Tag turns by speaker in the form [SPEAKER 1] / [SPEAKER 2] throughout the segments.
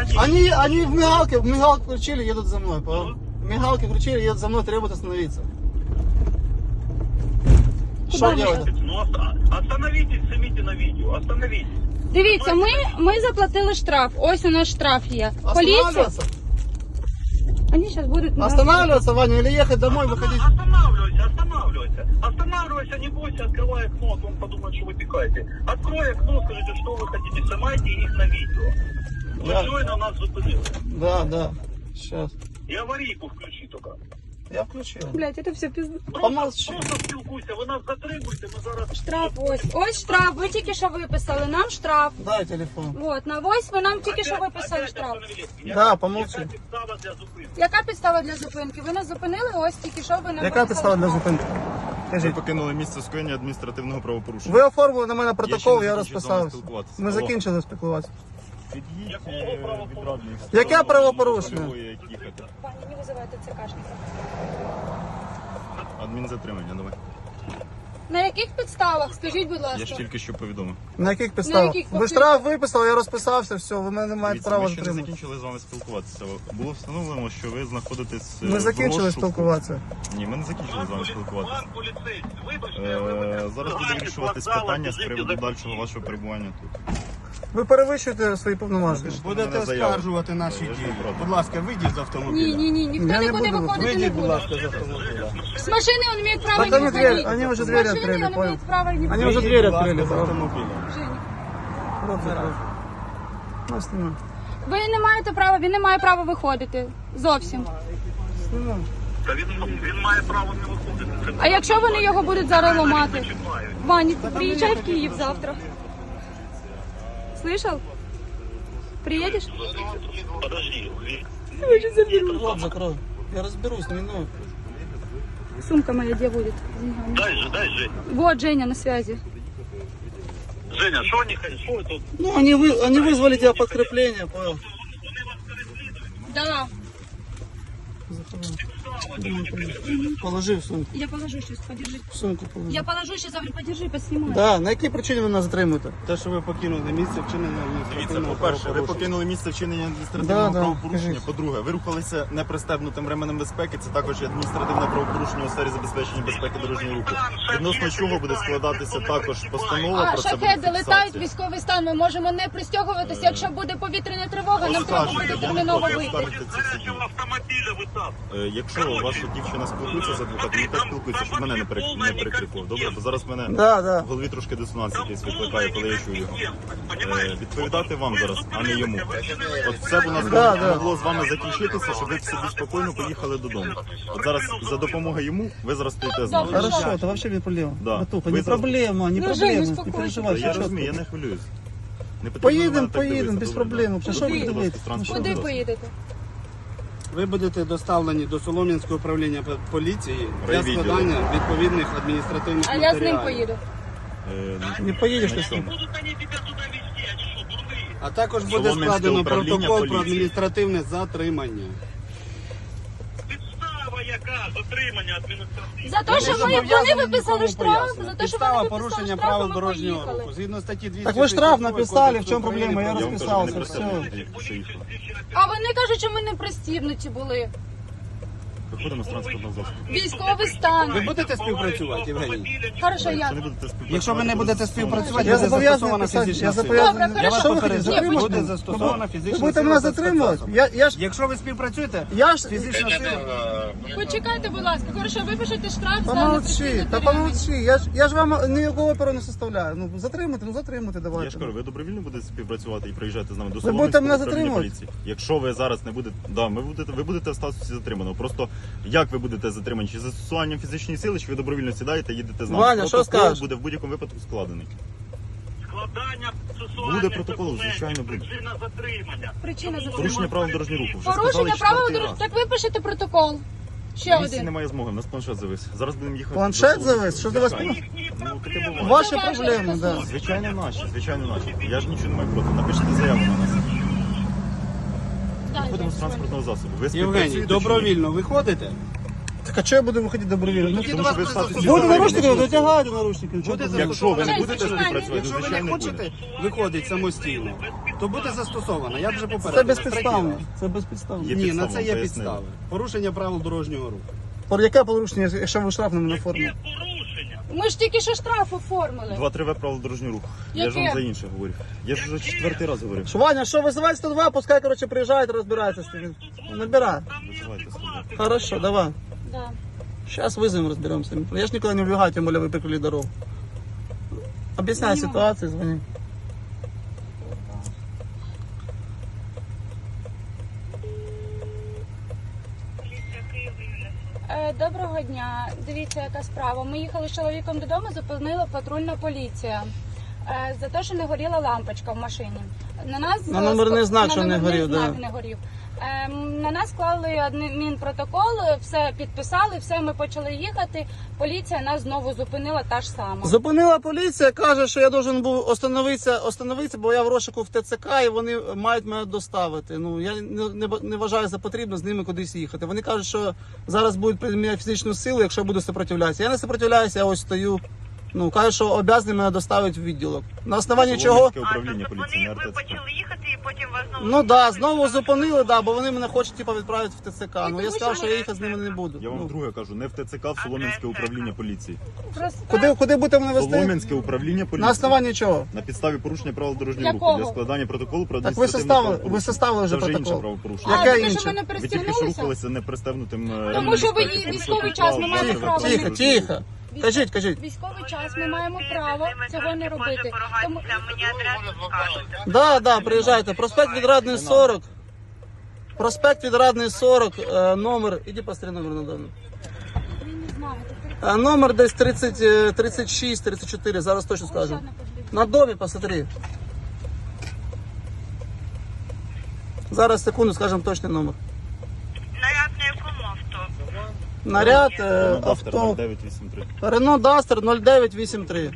[SPEAKER 1] Они в мигалке включили, едут за мной. В мигалке включили, едут за мной, требуют остановиться. Что делать?
[SPEAKER 2] Ну, остановитесь, снимите на видео, остановитесь.
[SPEAKER 3] Дивіться, ми заплатили штраф. Ось у нас штраф є. Поліція.
[SPEAKER 1] Останавливаться?
[SPEAKER 3] Вони зараз будуть...
[SPEAKER 1] Останавливаться, Ваня, или ехать домой, выходить?
[SPEAKER 2] Останавливайся, не бойся, открывай окно, а то он подумает, что вы пикаете. Открой окно, скажите, что вы хотите, снимайте их на видео.
[SPEAKER 1] Да.
[SPEAKER 2] Вы на нас зупинили.
[SPEAKER 1] Да, сейчас.
[SPEAKER 2] И аварийку включи только.
[SPEAKER 1] Я включил.
[SPEAKER 3] Блядь, це все пізно.
[SPEAKER 1] Помолчи.
[SPEAKER 2] Просто спілкуйся, ви нас затримуєте, ми зараз...
[SPEAKER 3] Штраф ось. Ось штраф, ви тільки що виписали. Нам штраф.
[SPEAKER 1] Дай телефон.
[SPEAKER 3] Вот, на ось ви нам тільки що виписали штраф.
[SPEAKER 1] Да, помолчи.
[SPEAKER 2] Яка підстава для зупинки?
[SPEAKER 3] Яка підстава для зупинки? Ви нас зупинили, ось тільки що ви нам
[SPEAKER 1] Яка підстава для
[SPEAKER 3] штраф.
[SPEAKER 1] зупинки?
[SPEAKER 4] Ви
[SPEAKER 1] Кажіть.
[SPEAKER 4] покинули місце скоєння адміністративного правопорушення.
[SPEAKER 1] Ви оформили на мене
[SPEAKER 4] Я ще
[SPEAKER 1] протокол,
[SPEAKER 4] не
[SPEAKER 1] я
[SPEAKER 4] закінчив з вами
[SPEAKER 1] розписався.
[SPEAKER 4] спілкуватися.
[SPEAKER 1] Ми
[SPEAKER 4] Алло.
[SPEAKER 1] закінчили спілкуватися.
[SPEAKER 4] Під'їдь
[SPEAKER 2] Якого
[SPEAKER 4] від радних.
[SPEAKER 1] Яке правопорушення?
[SPEAKER 4] Як їхати.
[SPEAKER 3] Пані, не визивайте ЦКшника.
[SPEAKER 4] Адмінзатримання, давай.
[SPEAKER 3] На яких підставах? Скажіть, будь ласка.
[SPEAKER 4] Я ж тільки що повідомив.
[SPEAKER 1] На яких підставах?
[SPEAKER 3] яких?
[SPEAKER 1] Ви штраф виписали, я розписався, все, ви мене не маєте
[SPEAKER 4] Дивіться,
[SPEAKER 1] права
[SPEAKER 4] ми ще не
[SPEAKER 1] затримати.
[SPEAKER 4] закінчили з вами спілкуватися. Було встановлено, що ви знаходитесь
[SPEAKER 1] Ми
[SPEAKER 4] в
[SPEAKER 1] закінчили
[SPEAKER 4] розшуку.
[SPEAKER 1] спілкуватися.
[SPEAKER 4] Ні, ми не закінчили з вами спілкуватися.
[SPEAKER 2] Пан поліцейський, вибачте, ви мене
[SPEAKER 4] Зараз буде вирішуватись
[SPEAKER 2] вокзала,
[SPEAKER 4] питання з
[SPEAKER 2] біжите
[SPEAKER 4] приводу
[SPEAKER 2] за-
[SPEAKER 4] дальшого вашого перебування тут.
[SPEAKER 1] Ви перевищуєте свої повноваження.
[SPEAKER 5] Будете
[SPEAKER 4] Мене заява.
[SPEAKER 5] оскаржувати наші
[SPEAKER 4] Я ж
[SPEAKER 5] дії.
[SPEAKER 4] не проти.
[SPEAKER 5] Будь ласка, вийдіть з автомобіля.
[SPEAKER 3] Ні, ніхто
[SPEAKER 1] Я не
[SPEAKER 3] нікуди
[SPEAKER 1] буду
[SPEAKER 3] виходити не
[SPEAKER 5] Вийдіть, будь
[SPEAKER 3] буде.
[SPEAKER 5] ласка, з автомобіля.
[SPEAKER 3] С машины он имеет право
[SPEAKER 1] Так
[SPEAKER 3] не
[SPEAKER 1] они дверь-
[SPEAKER 3] выходить.
[SPEAKER 1] они уже
[SPEAKER 3] С
[SPEAKER 1] двери
[SPEAKER 3] машины
[SPEAKER 1] открыли,
[SPEAKER 3] он
[SPEAKER 1] понял.
[SPEAKER 3] имеет право не
[SPEAKER 1] Они
[SPEAKER 3] выходить.
[SPEAKER 1] уже
[SPEAKER 5] Вийдіть,
[SPEAKER 1] двері
[SPEAKER 5] будь ласка,
[SPEAKER 1] відкрили,
[SPEAKER 5] з
[SPEAKER 1] правда.
[SPEAKER 5] автомобіля.
[SPEAKER 3] Женя,
[SPEAKER 1] Рот закрой. Ну, знімай.
[SPEAKER 3] ви не маєте права, він не має права виходити. Зовсім.
[SPEAKER 1] Знімай.
[SPEAKER 2] Та він має право не виходити. Це
[SPEAKER 3] А якщо вони його будуть зараз ламати?
[SPEAKER 2] чіпають.
[SPEAKER 3] Ваня, ты приезжай в Киев завтра. Слышал? Приедешь?
[SPEAKER 2] Подожди,
[SPEAKER 1] Рот закрой. Я разберусь, не минуй.
[SPEAKER 3] Сумка моя где будет?
[SPEAKER 2] дай же.
[SPEAKER 3] Вот Женя на связи.
[SPEAKER 2] Женя, що вони хотять? Що тут?
[SPEAKER 1] Ну, они вызвали тебя подкрепление, понял?
[SPEAKER 3] Да.
[SPEAKER 1] Положи в сумку.
[SPEAKER 3] Я положу сейчас, подержи.
[SPEAKER 1] В сумку положи.
[SPEAKER 3] Я положу сейчас, говорю, подержи, поснимай.
[SPEAKER 1] Да, на якій причині ви нас затримуєте?
[SPEAKER 5] Те, що ви покинули місце вчинення
[SPEAKER 4] Дивіться,
[SPEAKER 5] адміністративного
[SPEAKER 4] по-перше, ви
[SPEAKER 5] правопорушення.
[SPEAKER 4] покинули місце вчинення адміністративного
[SPEAKER 1] Да,
[SPEAKER 4] правопорушення.
[SPEAKER 1] кажіть.
[SPEAKER 4] По-друге, ви рухалися непристебнутим ременем безпеки. Це також є адміністративне правопорушення у сфері забезпечення безпеки дорожнього руху. Відносно чого буде складатися також постанова
[SPEAKER 3] А
[SPEAKER 4] про це буде
[SPEAKER 3] шахеди летають,
[SPEAKER 4] фіксація.
[SPEAKER 3] військовий стан. Ми можемо не пристягуватися. Якщо буде повітряна тривога, нам треба буде
[SPEAKER 4] Скажете, я не
[SPEAKER 3] терміново
[SPEAKER 4] проти
[SPEAKER 3] вийти.
[SPEAKER 4] оскаржити ці всі дії.
[SPEAKER 2] Автомобіля витап.
[SPEAKER 4] Якщо ваша дівчина спілкується з адвокатом, нехай спілкується, щоб мене не перекрикував. Добре, бо зараз мене
[SPEAKER 1] Да.
[SPEAKER 4] в голові трошки дисонанс якийсь викликає, коли я чую його. Відповідати вам зараз, а не йому. От все б у нас
[SPEAKER 1] Да.
[SPEAKER 4] могло з вами закінчитися, щоб ви собі спокійно поїхали додому. От зараз за допомогою йому ви зараз стоїте з нами.
[SPEAKER 1] Хорошо, это вообще не проблема.
[SPEAKER 4] Да.
[SPEAKER 1] Братуха,
[SPEAKER 4] Вы
[SPEAKER 1] не
[SPEAKER 4] зараз-
[SPEAKER 1] проблема, не
[SPEAKER 3] Ну,
[SPEAKER 1] проблема.
[SPEAKER 3] Жень,
[SPEAKER 1] Не
[SPEAKER 3] успокойся.
[SPEAKER 1] переживай, все
[SPEAKER 4] Я
[SPEAKER 1] чітко.
[SPEAKER 4] розумію, я не хвилююсь. Не потрібно на мене так
[SPEAKER 1] Поїдемо,
[SPEAKER 4] дивитися,
[SPEAKER 1] без
[SPEAKER 4] добре?
[SPEAKER 1] проблем. Що ви
[SPEAKER 4] Будь ласка,
[SPEAKER 1] дивитесь?
[SPEAKER 4] транспортний
[SPEAKER 3] Куди
[SPEAKER 4] засіб.
[SPEAKER 3] поїдете?
[SPEAKER 5] Ви будете доставлені до Солом'янського управління поліції для
[SPEAKER 4] Райвідділу.
[SPEAKER 5] складання відповідних адміністративних
[SPEAKER 3] А
[SPEAKER 5] матеріалів.
[SPEAKER 3] я з ним поїду.
[SPEAKER 1] Не поїдеш ти сам.
[SPEAKER 2] Будуть вони тебе туди везти, а що, дурний?
[SPEAKER 5] А також буде
[SPEAKER 4] Солом'янське
[SPEAKER 5] складено
[SPEAKER 4] управління
[SPEAKER 5] протокол про
[SPEAKER 4] поліції.
[SPEAKER 5] адміністративне затримання.
[SPEAKER 2] Підстава яка? Затримання адміністративне.
[SPEAKER 3] За те, що вони виписали штраф, за те, що
[SPEAKER 5] Підстава
[SPEAKER 3] вони виписали
[SPEAKER 5] порушення
[SPEAKER 3] штраф,
[SPEAKER 5] правил
[SPEAKER 3] ми
[SPEAKER 5] дорожнього
[SPEAKER 3] поїхали.
[SPEAKER 5] руху. Згідно статті 200.
[SPEAKER 1] Так ви штраф написали, в чому проблема? Я
[SPEAKER 4] Я вам кажу,
[SPEAKER 1] розписався,
[SPEAKER 4] не
[SPEAKER 1] все.
[SPEAKER 4] пристебнуті, що їхали.
[SPEAKER 3] А вони кажуть, що ми не пристібнуті були.
[SPEAKER 4] Виходимо з транспортного засобу.
[SPEAKER 3] Військовий
[SPEAKER 5] Ви
[SPEAKER 3] стан.
[SPEAKER 5] будете співпрацювати, Євгеній?
[SPEAKER 3] Хорошо, я.
[SPEAKER 4] Якщо не будете співпрацювати,
[SPEAKER 5] Якщо ви не будете співпрацювати,
[SPEAKER 1] Я
[SPEAKER 5] буде
[SPEAKER 1] зобов'язаний
[SPEAKER 5] застосована
[SPEAKER 1] писати,
[SPEAKER 5] фізична
[SPEAKER 1] я
[SPEAKER 5] сила.
[SPEAKER 1] зобов'язаний.
[SPEAKER 3] Добре,
[SPEAKER 5] Я вас
[SPEAKER 3] хорошо.
[SPEAKER 5] попереджаю,
[SPEAKER 3] Ні,
[SPEAKER 5] буде
[SPEAKER 3] почекай.
[SPEAKER 5] застосована
[SPEAKER 1] Ви
[SPEAKER 5] фізична
[SPEAKER 1] будете
[SPEAKER 5] сила.
[SPEAKER 1] мене
[SPEAKER 5] за
[SPEAKER 1] затримувати?
[SPEAKER 5] спецзасобом.
[SPEAKER 1] Я ж...
[SPEAKER 5] Якщо ви співпрацюєте,
[SPEAKER 1] Я ж...
[SPEAKER 5] фізична сила.
[SPEAKER 3] Почекайте, будь ласка. Хорошо, випишете штраф за
[SPEAKER 1] Помолчи,
[SPEAKER 3] непристібнутий
[SPEAKER 1] та
[SPEAKER 3] ремінь.
[SPEAKER 1] помолчи. Я ж вам ніякого оперу не составляю. Ну, затримати,
[SPEAKER 4] Я
[SPEAKER 1] давайте.
[SPEAKER 4] ж кажу, ви добровільно будете співпрацювати і приїжджати з нами до
[SPEAKER 1] Ви будете
[SPEAKER 4] Солом'янського
[SPEAKER 1] мене
[SPEAKER 4] управління
[SPEAKER 1] затримувати?
[SPEAKER 4] поліції. Якщо ви зараз не будете, да, ви будете в статусі затриманого. Просто як ви будете затримані? Чи застосуванням фізичної сили, чи ви добровільно сідаєте, їдете з нами?
[SPEAKER 1] Ваня, що
[SPEAKER 4] Протокол
[SPEAKER 1] скажеш?
[SPEAKER 4] буде в будь-якому випадку складений.
[SPEAKER 2] Складання процесуальних
[SPEAKER 4] Буде протокол,
[SPEAKER 2] документів,
[SPEAKER 4] звичайно, буде.
[SPEAKER 2] Причина затримання.
[SPEAKER 3] Причина
[SPEAKER 4] Порушення
[SPEAKER 3] затримання.
[SPEAKER 4] правил дорожнього руху. Вже
[SPEAKER 3] Порушення
[SPEAKER 4] сказали
[SPEAKER 3] правил
[SPEAKER 4] четвертий
[SPEAKER 3] дорожнього.
[SPEAKER 4] раз.
[SPEAKER 3] Так випишете протокол. Ще
[SPEAKER 4] На місці
[SPEAKER 3] один.
[SPEAKER 4] немає змоги, у нас планшет завис. Зараз будемо їхати.
[SPEAKER 1] Планшет
[SPEAKER 4] до
[SPEAKER 1] завис? Що до вас?
[SPEAKER 4] Звичайно. Ну, таке буває.
[SPEAKER 1] Ваші
[SPEAKER 3] Це ваша
[SPEAKER 1] проблеми,
[SPEAKER 3] стосунки.
[SPEAKER 1] да.
[SPEAKER 4] Звичайно наші. Я ж нічого не маю проти. Напишіть заяву на нас.
[SPEAKER 3] Да,
[SPEAKER 4] Виходимо з
[SPEAKER 3] я
[SPEAKER 4] транспортного засобу. Ви
[SPEAKER 5] Євгеній,
[SPEAKER 4] співпрацюєте чи ні?
[SPEAKER 5] добровільно виходите?
[SPEAKER 1] Так а чого я буду виходити добровільно? Ну,
[SPEAKER 4] Тому що ви в статусі
[SPEAKER 1] буде
[SPEAKER 4] затриманого
[SPEAKER 1] наручники,
[SPEAKER 4] особи.
[SPEAKER 1] дотягайте наручники. Чого
[SPEAKER 5] Буде
[SPEAKER 1] ти-
[SPEAKER 4] Якщо ви не
[SPEAKER 3] Чесно,
[SPEAKER 4] будете
[SPEAKER 3] чекайте.
[SPEAKER 4] співпрацювати,
[SPEAKER 5] Якщо ви не
[SPEAKER 4] звичайно буде.
[SPEAKER 5] хочете виходити самостійно, то буде застосовано. Я вже попередив.
[SPEAKER 1] Це безпідставно. Це безпідставно.
[SPEAKER 4] Є
[SPEAKER 5] Ні, на
[SPEAKER 4] підстава,
[SPEAKER 5] це є
[SPEAKER 4] пояснили.
[SPEAKER 5] підстави. Порушення правил дорожнього руху.
[SPEAKER 1] Про яке порушення, якщо ви штраф на мене оформили?
[SPEAKER 2] Порушення.
[SPEAKER 3] Ми ж тільки що штраф оформили.
[SPEAKER 4] 2-3 правил дорожнього руху. Я ж вам
[SPEAKER 3] Яке?
[SPEAKER 4] за інше говорю. Я ж вже 4-й раз говорю.
[SPEAKER 1] Що, Ваня, що, визивай 102, пускай, короче, приїжджають, розбираються з тим. Набирай.
[SPEAKER 4] Визивайте собі.
[SPEAKER 1] Хорошо, давай.
[SPEAKER 3] Да.
[SPEAKER 1] Сейчас вызовем, разберемся. Я ж никуда не убегаю, тем более вы прикрыли дорогу. Объясняй ситуацию, звони.
[SPEAKER 3] Доброго дня. Дивіться, яка справа. Ми їхали з чоловіком додому, зупинила патрульна поліція. За те, що не горіла лампочка в машині. На нас
[SPEAKER 1] На номерний знак,
[SPEAKER 3] на
[SPEAKER 1] що не
[SPEAKER 3] номерний
[SPEAKER 1] горів,
[SPEAKER 3] знак
[SPEAKER 1] да.
[SPEAKER 3] не горів. На нас склали адмінпротокол, все підписали, все, ми почали їхати. Поліція нас знову зупинила, та ж сама.
[SPEAKER 1] Зупинила поліція, каже, що я должен був остановитися, бо я в розшуку в ТЦК і вони мають мене доставити. Ну, я не вважаю за потрібно з ними кудись їхати. Вони кажуть, що зараз будуть приміняти фізичну силу, якщо я буду сопротивлятися. Я не сопротивляюся, я ось стою. Ну, кажуть, що обов'язані мене доставити в відділок. На основанні чого?
[SPEAKER 4] Солом'янське управління поліції, не
[SPEAKER 2] ви
[SPEAKER 4] РТЦК.
[SPEAKER 2] почали їхати і потім вас знову...
[SPEAKER 1] Ну да, знову зупинили, да, бо вони мене хочуть типу, відправити в ТЦК. Ну я
[SPEAKER 3] тому
[SPEAKER 1] сказав,
[SPEAKER 3] що
[SPEAKER 1] що я їхати з ними не буду.
[SPEAKER 4] Я вам
[SPEAKER 1] Ну,
[SPEAKER 4] друге кажу, не в ТЦК, в Солом'янське управління поліції.
[SPEAKER 3] Просто
[SPEAKER 1] куди будете мене вести?
[SPEAKER 4] Солом'янське управління поліції.
[SPEAKER 1] На основанні чого?
[SPEAKER 4] На підставі порушення правил дорожнього
[SPEAKER 3] Якого?
[SPEAKER 4] руху для складання протоколу про
[SPEAKER 1] Так ви составили вже
[SPEAKER 4] Це вже інше
[SPEAKER 1] протокол.
[SPEAKER 4] правопорушення.
[SPEAKER 1] Яке
[SPEAKER 3] тому,
[SPEAKER 1] інше?
[SPEAKER 3] що ми не
[SPEAKER 4] Ви тільки що
[SPEAKER 3] пристігнулися.
[SPEAKER 4] рухалися непристебнутим
[SPEAKER 3] Тому що ви
[SPEAKER 4] безпеки.
[SPEAKER 3] військовий час, ми маємо право.
[SPEAKER 1] Тихо, тихо. Кажіть.
[SPEAKER 3] Військовий час, ми маємо право цього не робити. Тому
[SPEAKER 2] Мені адресу скажете.
[SPEAKER 1] Да, приїжджайте. Проспект Відрадний 40. Проспект Відрадний 40, номер. Іди посмотри номер на даний.
[SPEAKER 3] ви не знаєте.
[SPEAKER 1] Номер десь 30, 36, 34, зараз точно скажу. На домі посмотри. Зараз, секунду, скажемо точний номер.
[SPEAKER 2] Наряд на якому авто?
[SPEAKER 1] Наряд,
[SPEAKER 4] Автор
[SPEAKER 1] авто.
[SPEAKER 4] 0983.
[SPEAKER 1] Рено Дастер 0983.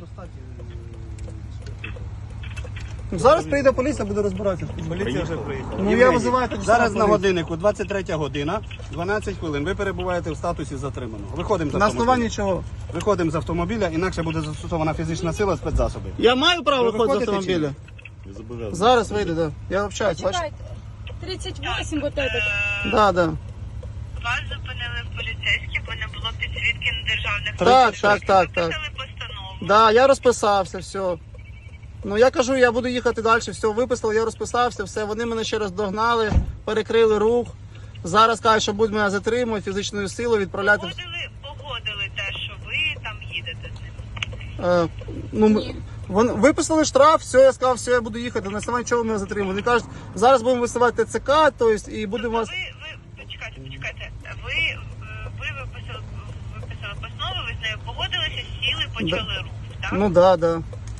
[SPEAKER 1] Зараз прийде поліція, буде розбиратися.
[SPEAKER 5] Поліція вже приїхала.
[SPEAKER 1] Ну я визиваю тоді
[SPEAKER 5] Зараз
[SPEAKER 1] сам
[SPEAKER 5] на
[SPEAKER 1] поліцію.
[SPEAKER 5] годиннику 23 година, 12 хвилин. Ви перебуваєте в статусі затриманого. Виходимо з
[SPEAKER 1] На
[SPEAKER 5] автомобіля.
[SPEAKER 1] основанні чого?
[SPEAKER 5] Виходимо з автомобіля, інакше буде застосована фізична сила, спецзасоби.
[SPEAKER 1] Я маю право
[SPEAKER 5] Ви
[SPEAKER 1] виходити з
[SPEAKER 5] виходите чи ні?
[SPEAKER 1] автомобіля.
[SPEAKER 4] Ви зобов'язані.
[SPEAKER 1] Зараз вийде, да. Я общаюсь, бачите?
[SPEAKER 3] Чекайте. 38 вот этот.
[SPEAKER 1] Да.
[SPEAKER 2] Вас зупинили поліцейські, бо не було підсвітки на державних
[SPEAKER 1] Так.
[SPEAKER 2] Виписали постанову.
[SPEAKER 1] Да, я розписався, все. Ну я кажу, я буду їхати далі, все, виписали, я розписався, все. Вони мене ще раз догнали, перекрили рух. Зараз кажуть, що будуть мене затримувати, фізичною силою відправляти.
[SPEAKER 2] Погодили те, що ви там їдете з ним.
[SPEAKER 1] Ну, вони виписали штраф, все, я сказав, все, я буду їхати. На основанні чого мене затримали. Вони кажуть, зараз будемо висувати ТЦК, тобто, і будемо вас.
[SPEAKER 2] Почекайте. Ви виписали постанову, ви з нею погодилися, сіли, почали рух, так?
[SPEAKER 1] Ну да.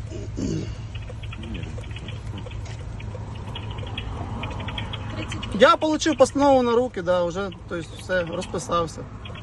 [SPEAKER 1] Я отримав постанову на руки, да, вже, тобто, все, розписався.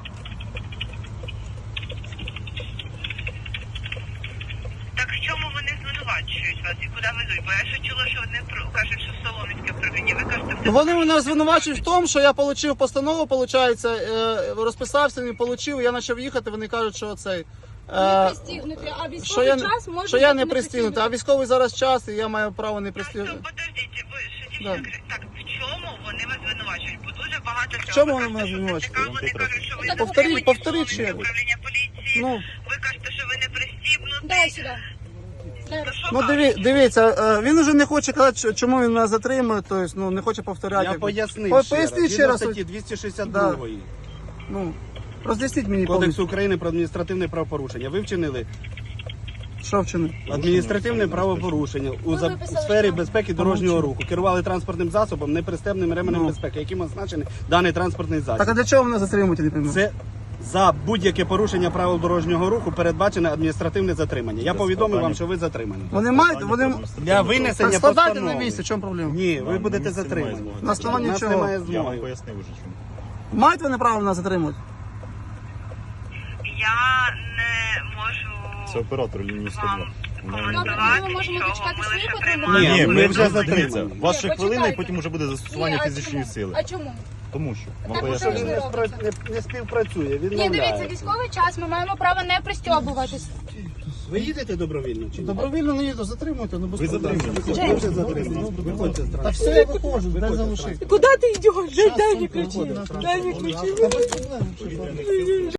[SPEAKER 2] Так в чому вони звинувачують вас і куди везуть? Бо я ще чула, що вони кажуть, що в Солом'янське управління. Ви кажете,
[SPEAKER 1] Ну, вони мене звинувачують в тому, що я отримав постанову, виходить, розписався, не отримав, я почав їхати, вони кажуть, що цей...
[SPEAKER 3] Не пристігнути, а військовий час може
[SPEAKER 1] що я
[SPEAKER 3] бути
[SPEAKER 1] не пристігнутий, а військовий зараз час, і я маю право не пристігнути.
[SPEAKER 2] Подождіть, ви що
[SPEAKER 1] Да.
[SPEAKER 2] дівчинка, так в чому вони вас звинувачують? Бо дуже багато
[SPEAKER 1] В чому вони мене звинувачують?
[SPEAKER 2] Вони кажуть, що ви
[SPEAKER 3] Так,
[SPEAKER 2] не
[SPEAKER 1] повторіть
[SPEAKER 2] пристібнуті,
[SPEAKER 1] ще раз.
[SPEAKER 2] управління поліції.
[SPEAKER 1] Ну,
[SPEAKER 2] Ви кажете, що ви не пристібнуті.
[SPEAKER 3] Дай сюди. Зараз.
[SPEAKER 2] Що
[SPEAKER 1] ну
[SPEAKER 2] кажуть?
[SPEAKER 1] дивіться, він вже не хоче казати, чому він мене затримує, тобто, ну, не хоче повторяти.
[SPEAKER 5] Я пояснив
[SPEAKER 1] Поясніть ще
[SPEAKER 5] Згідно
[SPEAKER 1] раз.
[SPEAKER 5] статті 262
[SPEAKER 1] Ну, роз'ясніть мені
[SPEAKER 5] Кодексу
[SPEAKER 1] повністю,
[SPEAKER 5] України про адміністративне правопорушення. Ви вчинили
[SPEAKER 1] що вчинив.
[SPEAKER 5] адміністративне правопорушення у
[SPEAKER 3] виписали
[SPEAKER 5] сфері
[SPEAKER 3] штраф.
[SPEAKER 5] безпеки дорожнього руху. Керували транспортним засобом, непристебним ременем
[SPEAKER 1] Ну.
[SPEAKER 5] безпеки, яким означений даний транспортний засіб.
[SPEAKER 1] Так а для чого мене затримують, я не розумію?
[SPEAKER 5] Це за будь-яке порушення правил дорожнього руху передбачене адміністративне затримання. Я повідомив вам, що ви затримані.
[SPEAKER 1] Вони мають, вони...
[SPEAKER 5] Для винесення
[SPEAKER 1] Так складайте
[SPEAKER 5] постанови.
[SPEAKER 1] на місці, в чому проблема?
[SPEAKER 5] Ні, ви
[SPEAKER 4] Вам
[SPEAKER 5] будете
[SPEAKER 4] на місці немає
[SPEAKER 5] затримані.
[SPEAKER 4] змоги.
[SPEAKER 1] На основанні
[SPEAKER 5] У нас
[SPEAKER 1] чого?
[SPEAKER 5] немає
[SPEAKER 4] Я вам
[SPEAKER 5] змоги.
[SPEAKER 4] пояснив уже чому.
[SPEAKER 1] Мають вони право мене затримувати?
[SPEAKER 2] Я не можу
[SPEAKER 4] Це оператор лінії 102.
[SPEAKER 2] вам коментувати
[SPEAKER 3] ми можемо
[SPEAKER 2] нічого.
[SPEAKER 3] дочекати
[SPEAKER 2] Ми
[SPEAKER 3] свої
[SPEAKER 2] лише
[SPEAKER 3] патрульні
[SPEAKER 2] приймаємо.
[SPEAKER 5] Ні, ми вже
[SPEAKER 4] дивіться,
[SPEAKER 5] затримані.
[SPEAKER 4] у вас ще
[SPEAKER 3] Ні,
[SPEAKER 4] хвилина, і
[SPEAKER 3] почекайте.
[SPEAKER 4] потім вже буде застосування
[SPEAKER 3] Ні, а
[SPEAKER 4] фізичної
[SPEAKER 3] чому?
[SPEAKER 4] сили.
[SPEAKER 3] А чому?
[SPEAKER 4] Тому що вам
[SPEAKER 3] Так,
[SPEAKER 4] пояснюю.
[SPEAKER 3] що ж ви робите?
[SPEAKER 5] Не співпрацює,
[SPEAKER 3] Ні, дивіться,
[SPEAKER 5] відмовляє.
[SPEAKER 3] військовий час, ми маємо право не пристьобуватись.
[SPEAKER 5] Ви їдете добровільно чи ні?
[SPEAKER 1] Добровільно не їду, затримуйте, ну без
[SPEAKER 4] Ви
[SPEAKER 1] проблем.
[SPEAKER 4] затримані.
[SPEAKER 5] Ви вже затримані. Виходьте з
[SPEAKER 1] Та
[SPEAKER 5] транспорту.
[SPEAKER 1] все, я виходжу, дай залишити.
[SPEAKER 3] Куди ти йдеш? Дай мені
[SPEAKER 1] Ключі.
[SPEAKER 3] Дай мені ключі.
[SPEAKER 1] Та без проблем.